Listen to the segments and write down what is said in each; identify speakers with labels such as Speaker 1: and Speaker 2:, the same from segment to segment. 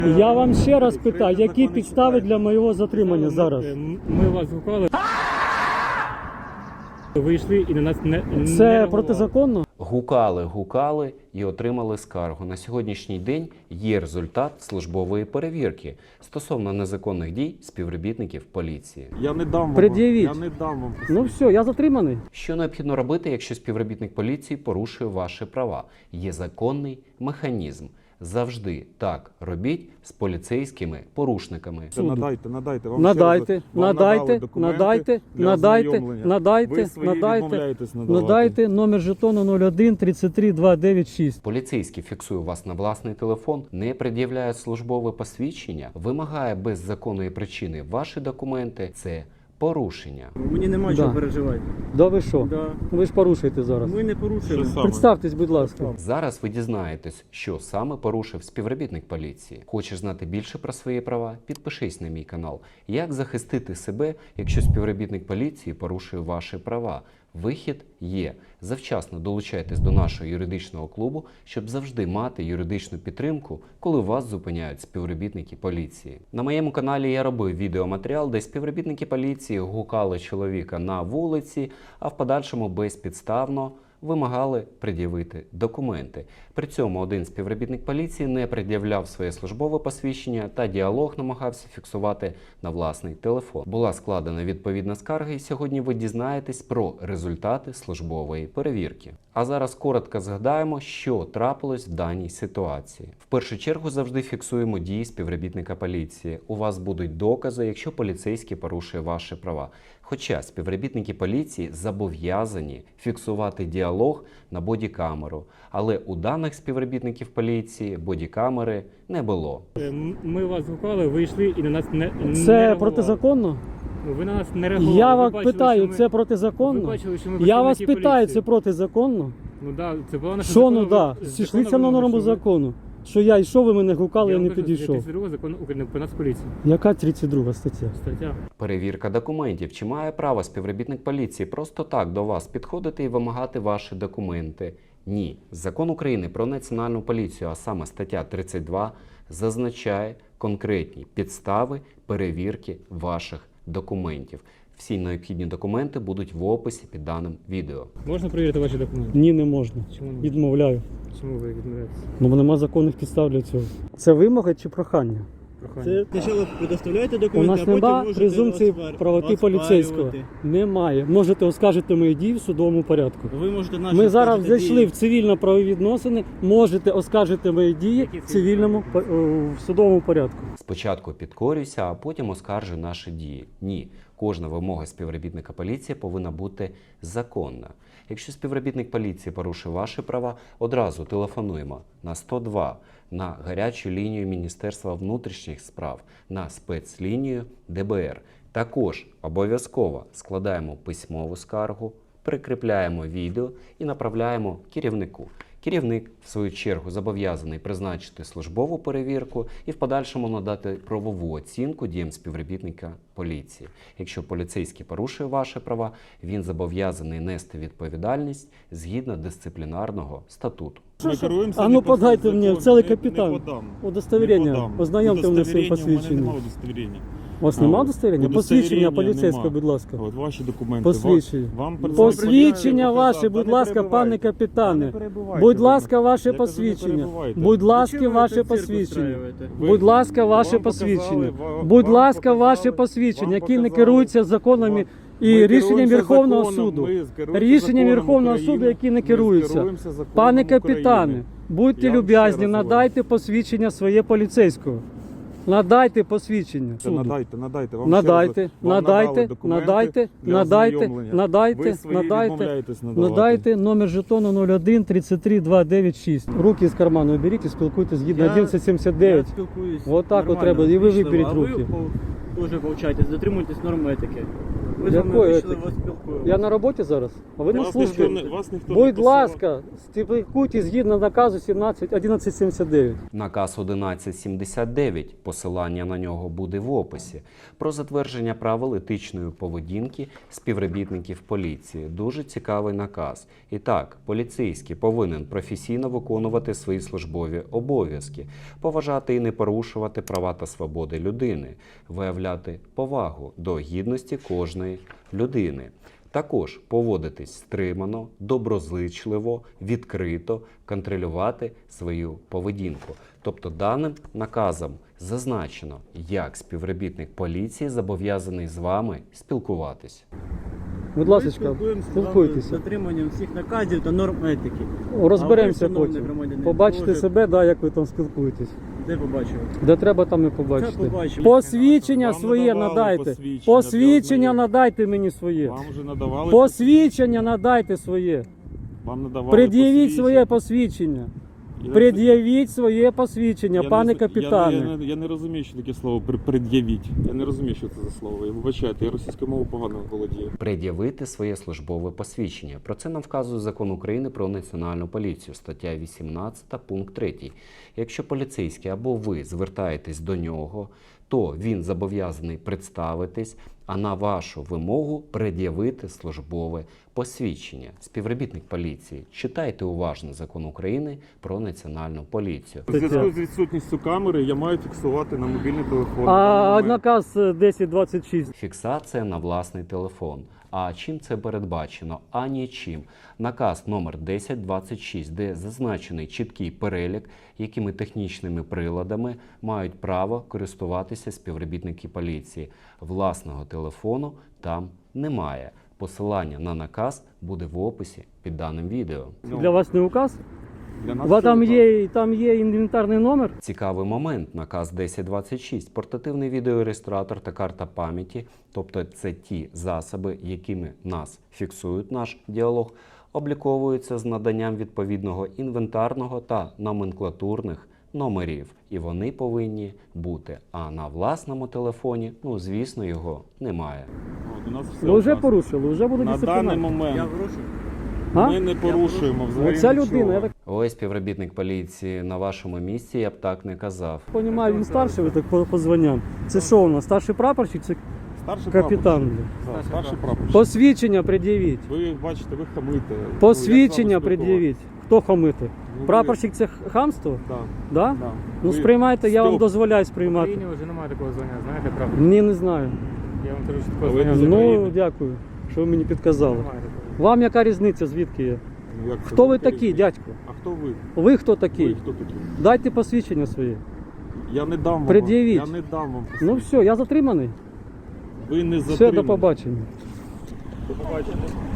Speaker 1: Я вам ще раз питаю, які підстави для моєго затримання зараз?
Speaker 2: Ми вас гукали. Вийшли і на нас не
Speaker 1: Це
Speaker 2: реагували.
Speaker 1: протизаконно?
Speaker 3: Гукали і отримали скаргу. На сьогоднішній день є результат службової перевірки стосовно незаконних дій співробітників поліції.
Speaker 4: Я не дам вам.
Speaker 1: Пред'явіть.
Speaker 4: Я не дам вам.
Speaker 1: Ну все, я затриманий.
Speaker 3: Що необхідно робити, якщо співробітник поліції порушує ваші права? Є законний механізм. Завжди так робіть з поліцейськими порушниками.
Speaker 4: Надайте. Вам
Speaker 1: Надайте,
Speaker 4: ще раз, вам
Speaker 1: надайте,
Speaker 4: надали документи
Speaker 1: надайте,
Speaker 4: для
Speaker 1: надайте,
Speaker 4: ознайомлення.
Speaker 1: надайте,
Speaker 4: Ви свої
Speaker 1: надайте,
Speaker 4: відмовляєтесь надавати.
Speaker 1: надайте номер жетону 01 33 296.
Speaker 3: Поліцейський фіксує вас на власний телефон, не пред'являє службове посвідчення, вимагає без законної причини ваші документи. Це порушення.
Speaker 5: Мені нема чого переживати.
Speaker 1: Да ви що?
Speaker 5: Да.
Speaker 1: Ви ж порушуєте зараз.
Speaker 5: Ми не порушуємо.
Speaker 4: Що саме?
Speaker 1: Представтесь, будь ласка.
Speaker 3: Зараз ви дізнаєтесь, що саме порушив співробітник поліції. Хочеш знати більше про свої права? Підпишись на мій канал. Як захистити себе, якщо співробітник поліції порушує ваші права? Вихід є. Завчасно долучайтесь до нашого юридичного клубу, щоб завжди мати юридичну підтримку, коли вас зупиняють співробітники поліції. На моєму каналі я робив відеоматеріал, де співробітники поліції гукали чоловіка на вулиці, а в подальшому безпідставно вимагали пред'явити документи. При цьому один співробітник поліції не пред'являв своє службове посвідчення та діалог намагався фіксувати на власний телефон. Була складена відповідна скарга, і сьогодні ви дізнаєтесь про результати службової перевірки. А зараз коротко згадаємо, що трапилось в даній ситуації. В першу чергу завжди фіксуємо дії співробітника поліції. У вас будуть докази, якщо поліцейський порушує ваші права. Хоча співробітники поліції зобов'язані фіксувати діалог на бодікамеру. Але у даних співробітників поліції бодікамери не було.
Speaker 2: Ми вас гукали, вийшли і на нас не
Speaker 1: Це
Speaker 2: реагували.
Speaker 1: протизаконно?
Speaker 2: Ви на нас не реагували.
Speaker 1: Я
Speaker 2: Ви
Speaker 1: вас
Speaker 2: бачили,
Speaker 1: питаю,
Speaker 2: що ми-
Speaker 1: це
Speaker 2: Ви
Speaker 1: протизаконно?
Speaker 2: бачили, що ми
Speaker 1: Я вас
Speaker 2: працівники
Speaker 1: питаю,
Speaker 2: поліції.
Speaker 1: це протизаконно?
Speaker 2: Ну да, це була наша
Speaker 1: Що ну
Speaker 2: законова-
Speaker 1: да?
Speaker 2: законова
Speaker 1: Зійшлися на
Speaker 2: вимога,
Speaker 1: норму
Speaker 2: що ви-
Speaker 1: закону. Що я йшов, ви мене гукали, я
Speaker 2: вам
Speaker 1: не
Speaker 2: кажу,
Speaker 1: підійшов.
Speaker 2: 32 закон України про Нацполіцію.
Speaker 1: Яка 32 стаття?
Speaker 2: Стаття.
Speaker 3: Перевірка документів. Чи має право співробітник поліції просто так до вас підходити і вимагати ваші документи? Ні. Закон України про національну поліцію, а саме стаття 32, зазначає конкретні підстави перевірки ваших документів. Всі необхідні документи будуть в описі під даним відео.
Speaker 2: Можна перевірити ваші документи?
Speaker 1: Ні, не можна.
Speaker 2: Чому не?
Speaker 1: Відмовляю.
Speaker 2: Чому ви відмовляєтеся?
Speaker 1: Ну нема законних підстав для цього. Це вимога чи прохання?
Speaker 2: Прохання.
Speaker 5: Це спочатку предоставляєте
Speaker 1: У
Speaker 5: документи,
Speaker 1: нас
Speaker 5: а потім
Speaker 1: немає
Speaker 5: можете
Speaker 1: презумпції правоти поліцейського.
Speaker 5: оспарювати.
Speaker 1: Немає. Можете оскаржити мої дії в судовому порядку.
Speaker 5: Ви можете наші
Speaker 1: Ми зараз
Speaker 5: оскаржити
Speaker 1: зайшли
Speaker 5: дії.
Speaker 1: в цивільно-правові відносини. Можете оскаржити мої дії
Speaker 2: Які
Speaker 1: в цивільному в судовому порядку.
Speaker 3: Спочатку підкорюйся, а потім оскаржуй наші дії. Ні. Кожна вимога співробітника поліції повинна бути законна. Якщо співробітник поліції порушує ваші права, одразу телефонуємо на 102, на гарячу лінію Міністерства внутрішніх справ, на спецлінію ДБР. Також обов'язково складаємо письмову скаргу, прикріпляємо відео і направляємо керівнику. Керівник, в свою чергу, зобов'язаний призначити службову перевірку і в подальшому надати правову оцінку діям співробітника поліції. Якщо поліцейський порушує ваші права, він зобов'язаний нести відповідальність згідно дисциплінарного статуту.
Speaker 4: Ми керуємося
Speaker 1: А ну
Speaker 4: не по
Speaker 1: подайте
Speaker 4: закону.
Speaker 1: мені, целий
Speaker 4: Не
Speaker 1: капітан.
Speaker 4: подам.
Speaker 1: Удостоверення.
Speaker 4: Не подам.
Speaker 1: Ознайомте мене своїм
Speaker 4: Удостоверення,
Speaker 1: посвідченням.
Speaker 4: У мене немає удостоверення.
Speaker 1: У вас немає
Speaker 4: от.
Speaker 1: удостоверення?
Speaker 4: Удостоверення
Speaker 1: Посвідчення поліцейського,
Speaker 4: нема.
Speaker 1: будь ласка.
Speaker 4: От ваші документи.
Speaker 1: Посвідчення.
Speaker 4: Вам
Speaker 1: Посвідчення
Speaker 4: показав.
Speaker 1: ваше, будь
Speaker 4: Та не
Speaker 1: ласка, пане
Speaker 4: перебивайте.
Speaker 1: капітане.
Speaker 4: Не перебивайте
Speaker 1: Будь
Speaker 4: ви
Speaker 1: ласка,
Speaker 4: мене.
Speaker 1: ваше
Speaker 4: Я кажу, не
Speaker 1: посвідчення.
Speaker 4: перебивайте.
Speaker 1: Будь ласка,
Speaker 5: Чому ви
Speaker 1: ваше
Speaker 5: цирк
Speaker 1: посвідчення.
Speaker 5: устраюєте?
Speaker 4: Ви-
Speaker 1: Будь ласка, ваше
Speaker 4: вам
Speaker 1: посвідчення.
Speaker 4: показали,
Speaker 1: Будь
Speaker 4: вам
Speaker 1: ласка, ваше
Speaker 4: показали,
Speaker 1: посвідчення,
Speaker 4: вам
Speaker 1: які не
Speaker 4: показали.
Speaker 1: керуються законами і
Speaker 4: Ми
Speaker 1: рішенням
Speaker 4: керуємося
Speaker 1: Верховного
Speaker 4: законом,
Speaker 1: суду.
Speaker 4: ми керуємося
Speaker 1: Рішенням
Speaker 4: законом
Speaker 1: Верховного
Speaker 4: України,
Speaker 1: суду, які не
Speaker 4: ми
Speaker 1: керуються.
Speaker 4: керуємося законом
Speaker 1: Пане
Speaker 4: України.
Speaker 1: капітане, будьте
Speaker 4: Я вам ще
Speaker 1: люб'язні,
Speaker 4: раз говорю.
Speaker 1: надайте посвідчення своє поліцейського. Надайте посвідчення суду.
Speaker 4: Надайте. Вам
Speaker 1: Надайте,
Speaker 4: ще раз- вам
Speaker 1: надайте,
Speaker 4: надали документи
Speaker 1: надайте,
Speaker 4: для
Speaker 1: надайте,
Speaker 4: ознайомлення.
Speaker 1: надайте,
Speaker 4: Ви свої
Speaker 1: надайте,
Speaker 4: відмовляєтесь надавати.
Speaker 1: надайте номер жетону 01 33 296. Руки з карману беріть і спілкуйтесь згідно
Speaker 5: Я
Speaker 1: 1179.
Speaker 5: спілкуюсь
Speaker 1: Вот так от
Speaker 5: нормально,
Speaker 1: треба, і ви
Speaker 5: ввічливо,
Speaker 1: виберіть
Speaker 5: а
Speaker 1: руки.
Speaker 5: ви теж повчайтесь, дотримуйтесь норм етики. Ви з вами
Speaker 1: Якої
Speaker 5: вийшли,
Speaker 1: етики?
Speaker 5: вас спілкуємося.
Speaker 1: Я на роботі зараз, а ви на
Speaker 4: Вас ніхто
Speaker 1: службі.
Speaker 4: вас ніхто не
Speaker 1: Будь
Speaker 4: посилав.
Speaker 1: ласка, спілкуйтесь згідно наказу 1179.
Speaker 3: Наказ 1179, посилання на нього буде в описі, про затвердження правил етичної поведінки співробітників поліції. Дуже цікавий наказ. І так, поліцейський повинен професійно виконувати свої службові обов'язки, поважати і не порушувати права та свободи людини, виявляти повагу до гідності кожної людини. Також поводитись стримано, доброзичливо, відкрито, контролювати свою поведінку. Тобто даним наказом зазначено, як співробітник поліції зобов'язаний з вами спілкуватись.
Speaker 1: Будь
Speaker 5: Ми
Speaker 1: ласка,
Speaker 5: спілкуємося з вами з
Speaker 1: спілкуйтеся.
Speaker 5: дотриманням всіх наказів та норм етики.
Speaker 1: Розберемося
Speaker 5: А ви, шановний
Speaker 1: потім.
Speaker 5: громадянин,
Speaker 1: Побачите
Speaker 5: теж-
Speaker 1: себе, да, як ви там спілкуєтесь.
Speaker 5: Де побачили?
Speaker 1: Де треба, там і
Speaker 5: Це
Speaker 1: побачите.
Speaker 5: побачимо.
Speaker 1: Посвідчення
Speaker 4: Вам
Speaker 1: своє
Speaker 4: надавали
Speaker 1: надайте.
Speaker 4: посвідчення
Speaker 1: Посвідчення
Speaker 4: для
Speaker 1: надайте мені своє.
Speaker 4: Вам вже надавали
Speaker 1: Посвідчення надайте своє.
Speaker 4: Вам надавали
Speaker 1: Пред'явіть своє посвідчення.
Speaker 4: Я-
Speaker 1: Пред'явіть своє посвідчення,
Speaker 4: я
Speaker 1: пане
Speaker 4: не-
Speaker 1: капітане.
Speaker 4: Я не розумію, що таке слово пред'явіть. Я не розумію, що це за слово. Я вибачайте, я російською мовою погано володію.
Speaker 3: Пред'явити своє службове посвідчення. Про це нам вказує Закон України про національну поліцію, стаття 18, пункт 3. Якщо поліцейський або ви звертаєтесь до нього, то він зобов'язаний представитись, а на вашу вимогу пред'явити службове посвідчення. Співробітник поліції, читайте уважно Закон України про національну поліцію.
Speaker 4: У зв'язку з відсутністю камери я маю фіксувати на мобільний телефон.
Speaker 1: А наказ 1026.
Speaker 3: Фіксація на власний телефон. А чим це передбачено? А нічим. Наказ номер 1026, де зазначений чіткий перелік, якими технічними приладами мають право користуватися співробітники поліції. Власного телефону там немає. Посилання на наказ буде в описі під даним відео.
Speaker 1: Для вас не указ?
Speaker 4: Для
Speaker 1: У
Speaker 4: нас
Speaker 1: вас
Speaker 4: це указ.
Speaker 1: там є інвентарний номер?
Speaker 3: Цікавий момент. Наказ 1026. Портативний відеореєстратор та карта пам'яті, тобто це ті засоби, якими нас фіксують наш діалог, обліковуються з наданням відповідного інвентарного та номенклатурних номерів. І вони повинні бути. А на власному телефоні, звісно, його немає.
Speaker 4: От, у нас все
Speaker 1: Ви вже
Speaker 4: указ.
Speaker 1: порушили, вже буде
Speaker 4: На даний
Speaker 1: дисциплінарно.
Speaker 4: момент
Speaker 5: Я врушу.
Speaker 1: А?
Speaker 4: ми не порушуємо взагалі
Speaker 1: Оця
Speaker 4: нічого.
Speaker 1: людина, я так
Speaker 3: Ось співробітник поліції на вашому місці, я б так не казав.
Speaker 1: розумію, він старший, ви так по званням. Це що у нас, старший прапорщик, це
Speaker 4: Старший
Speaker 1: капітан?
Speaker 4: прапорщик. Так, старший прапорщик.
Speaker 1: Посвідчення пред'явіть.
Speaker 4: Ви бачите, ви хамите.
Speaker 1: Посвідчення пред'явіть. Хто хамити?
Speaker 4: Ну,
Speaker 1: Прапорщик це хамство?
Speaker 4: Так,
Speaker 1: Да?
Speaker 4: так.
Speaker 1: Ну сприймайте, я вам дозволяю
Speaker 2: В
Speaker 1: сприймати.
Speaker 2: Україні вже немає такого звання, знаєте, правда?
Speaker 1: Ні, не знаю.
Speaker 2: Я вам кажу, що
Speaker 4: А
Speaker 2: такого
Speaker 4: ви
Speaker 2: звання
Speaker 4: не
Speaker 2: в
Speaker 4: з
Speaker 2: Україні
Speaker 1: Ну, дякую, що ви мені підказали.
Speaker 2: немає такого.
Speaker 1: Вам яка різниця, звідки є?
Speaker 4: Як це?
Speaker 1: Хто ви такі, дядько?
Speaker 4: А хто ви?
Speaker 1: Ви хто
Speaker 4: Ви
Speaker 1: такий?
Speaker 4: хто такі?
Speaker 1: Дайте посвідчення своє.
Speaker 4: Я не дам вам.
Speaker 1: Пред'явіть.
Speaker 4: Я не дам вам.
Speaker 1: Ну все, я затриманий.
Speaker 4: Ви не
Speaker 1: Все,
Speaker 4: затримані.
Speaker 1: до побачення.
Speaker 4: До побачення.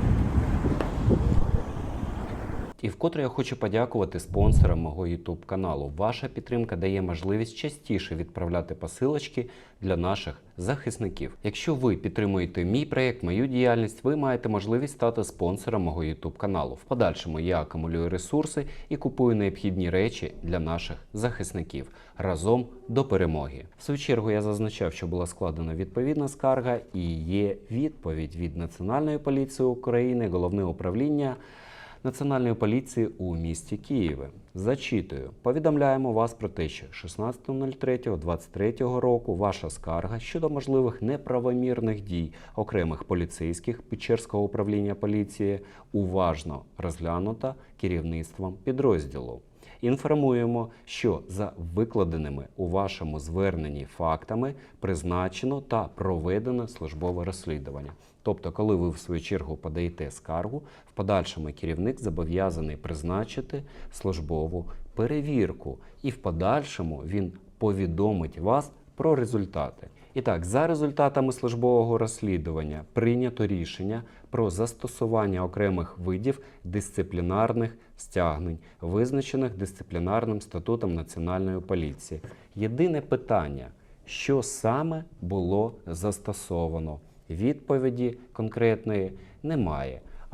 Speaker 3: І вкотре я хочу подякувати спонсорам мого YouTube каналу. Ваша підтримка дає можливість частіше відправляти посилочки для наших захисників. Якщо ви підтримуєте мій проєкт, мою діяльність, ви маєте можливість стати спонсором мого YouTube каналу. В подальшому я акумулюю ресурси і купую необхідні речі для наших захисників. Разом до перемоги. В свою чергу я зазначав, що була складена відповідна скарга і є відповідь від Національної поліції України, Головне управління Національної поліції у місті Києві. Зачитую. Повідомляємо вас про те, що 16.03.23 року ваша скарга щодо можливих неправомірних дій окремих поліцейських Печерського управління поліції уважно розглянута керівництвом підрозділу. Інформуємо, що за викладеними у вашому зверненні фактами призначено та проведено службове розслідування. Тобто, коли ви в свою чергу подаєте скаргу, в подальшому керівник зобов'язаний призначити службову перевірку. І в подальшому він повідомить вас про результати. І так, за результатами службового розслідування прийнято рішення про застосування окремих видів дисциплінарних стягнень, визначених дисциплінарним статутом Національної поліції. Єдине питання, що саме було застосовано? Відповіді конкретної немає.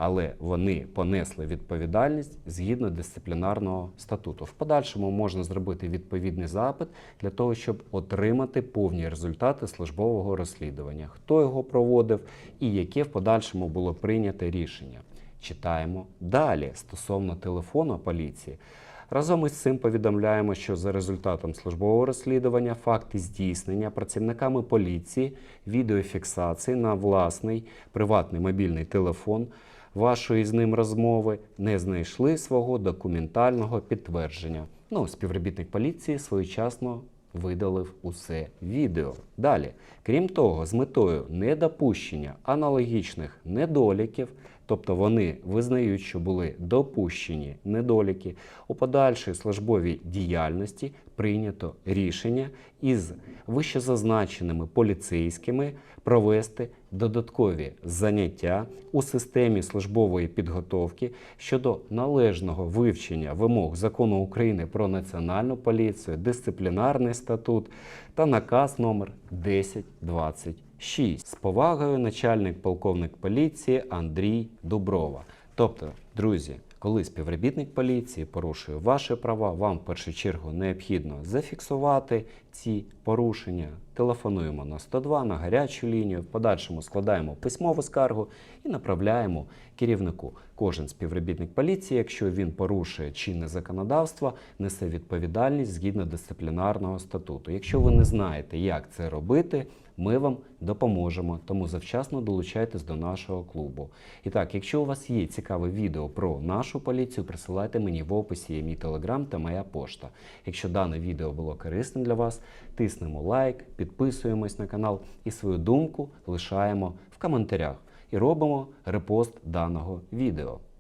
Speaker 3: але вони понесли відповідальність згідно дисциплінарного статуту. В подальшому можна зробити відповідний запит для того, щоб отримати повні результати службового розслідування, хто його проводив і яке в подальшому було прийнято рішення. Читаємо далі стосовно телефону поліції. Разом із цим повідомляємо, що за результатом службового розслідування факти здійснення працівниками поліції відеофіксації на власний приватний мобільний телефон вашої з ним розмови не знайшли свого документального підтвердження. Співробітник поліції своєчасно видалив усе відео. Далі, крім того, з метою недопущення аналогічних недоліків, тобто вони визнають, що були допущені недоліки, у подальшій службовій діяльності прийнято рішення із вищезазначеними поліцейськими провести додаткові заняття у системі службової підготовки щодо належного вивчення вимог Закону України про Національну поліцію, дисциплінарний статут та наказ номер 1026. З повагою, начальник полковник поліції Андрій Дуброва. Тобто, друзі, коли співробітник поліції порушує ваші права, вам в першу чергу необхідно зафіксувати ці порушення. Телефонуємо на 102, на гарячу лінію, в подальшому складаємо письмову скаргу і направляємо керівнику. Кожен співробітник поліції, якщо він порушує чинне законодавство, несе відповідальність згідно дисциплінарного статуту. Якщо ви не знаєте, як це робити, ми вам допоможемо, тому завчасно долучайтесь до нашого клубу. І так, якщо у вас є цікаве відео про нашу поліцію, присилайте мені в описі є мій телеграм та моя пошта. Якщо дане відео було корисним для вас, тиснемо лайк, підписуємось на канал і свою думку лишаємо в коментарях. І робимо репост даного відео.